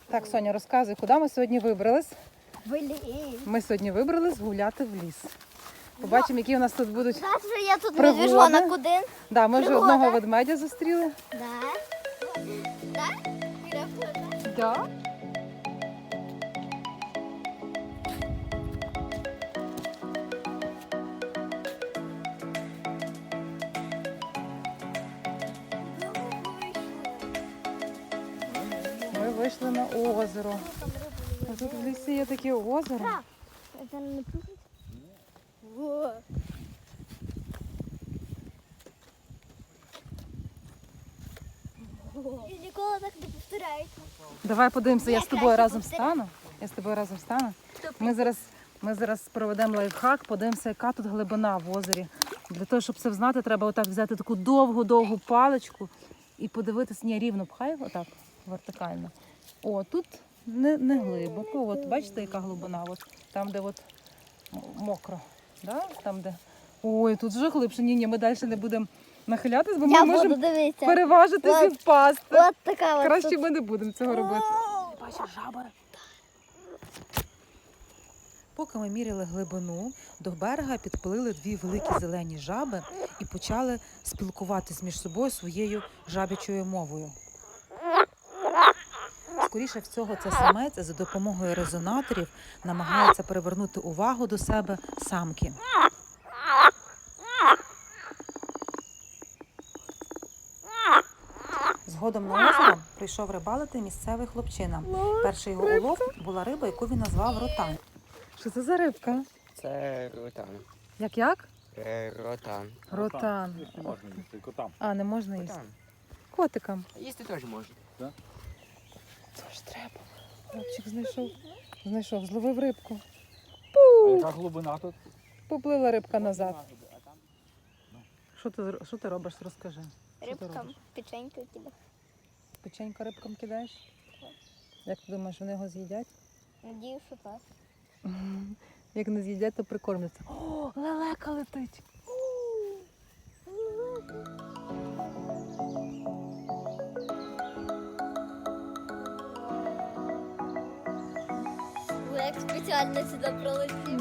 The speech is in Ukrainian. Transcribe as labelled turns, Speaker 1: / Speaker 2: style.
Speaker 1: Так, Соня, розказуй, куди ми сьогодні вибрались?
Speaker 2: В ліс.
Speaker 1: Ми сьогодні вибрались гуляти в ліс. Побачимо, які у нас тут будуть.
Speaker 2: Знаєш, що я тут
Speaker 1: Пригоди.
Speaker 2: медвіжонок один?
Speaker 1: Да, ми вже
Speaker 2: Пригода.
Speaker 1: одного ведмедя зустріли.
Speaker 2: Да. Так?
Speaker 1: Да. Ми вийшли на озеро. А тут в лісі є таке озеро.
Speaker 2: Це не пустить? Во. І ніколи так не повторяється.
Speaker 1: Давай подивимося, я з тобою
Speaker 2: краще
Speaker 1: разом
Speaker 2: повторяй.
Speaker 1: стану. Я з тобою разом стану. Ми зараз проведемо лайфхак, подивимося, яка тут глибина в озері. Для того, щоб це знати, треба отак взяти таку довгу-довгу паличку і подивитися, ні, рівно пхай, отак, вертикально. О, тут не глибоко. От бачите, яка глибина? От, там, де от мокро. Да? Там, де... Ой, тут вже глибше. Ні, ми далі не будемо нахилятись, бо ми
Speaker 2: Я буду
Speaker 1: можемо
Speaker 2: дивитися.
Speaker 1: переважитись і
Speaker 2: От.
Speaker 1: впасти.
Speaker 2: От така от.
Speaker 1: Краще ми не будемо цього робити. Бачиш, жаба. Поки ми міряли глибину, до берега підплили дві великі зелені жаби і почали спілкуватись між собою своєю жабячою мовою. Скоріше всього, це самець за допомогою резонаторів намагається привернути увагу до себе самки. Згодом на озеро прийшов рибалити місцевий хлопчина. Перший його улов була риба, яку він назвав ротан. Що це за рибка?
Speaker 3: Це ротан.
Speaker 1: Як?
Speaker 3: Ротан.
Speaker 1: Ротан.
Speaker 4: Їсти можна їсти, котам.
Speaker 1: А, не можна їсти.
Speaker 3: Ротан.
Speaker 1: Котикам.
Speaker 3: Їсти теж можна.
Speaker 1: Тож треба. Хлопчик знайшов, зловив рибку.
Speaker 4: А яка глибина тут?
Speaker 1: Поплила рибка назад. Що ти робиш, розкажи. Що ти
Speaker 2: Рибкам
Speaker 1: робиш?
Speaker 2: печеньку кидав.
Speaker 1: Печенька рибкам кидаєш? Як ти думаєш, вони його з'їдять?
Speaker 2: Надію, що так.
Speaker 1: Як не з'їдять, то прикормляться. О, лелека летить.
Speaker 2: Як спеціально сюди пролетів.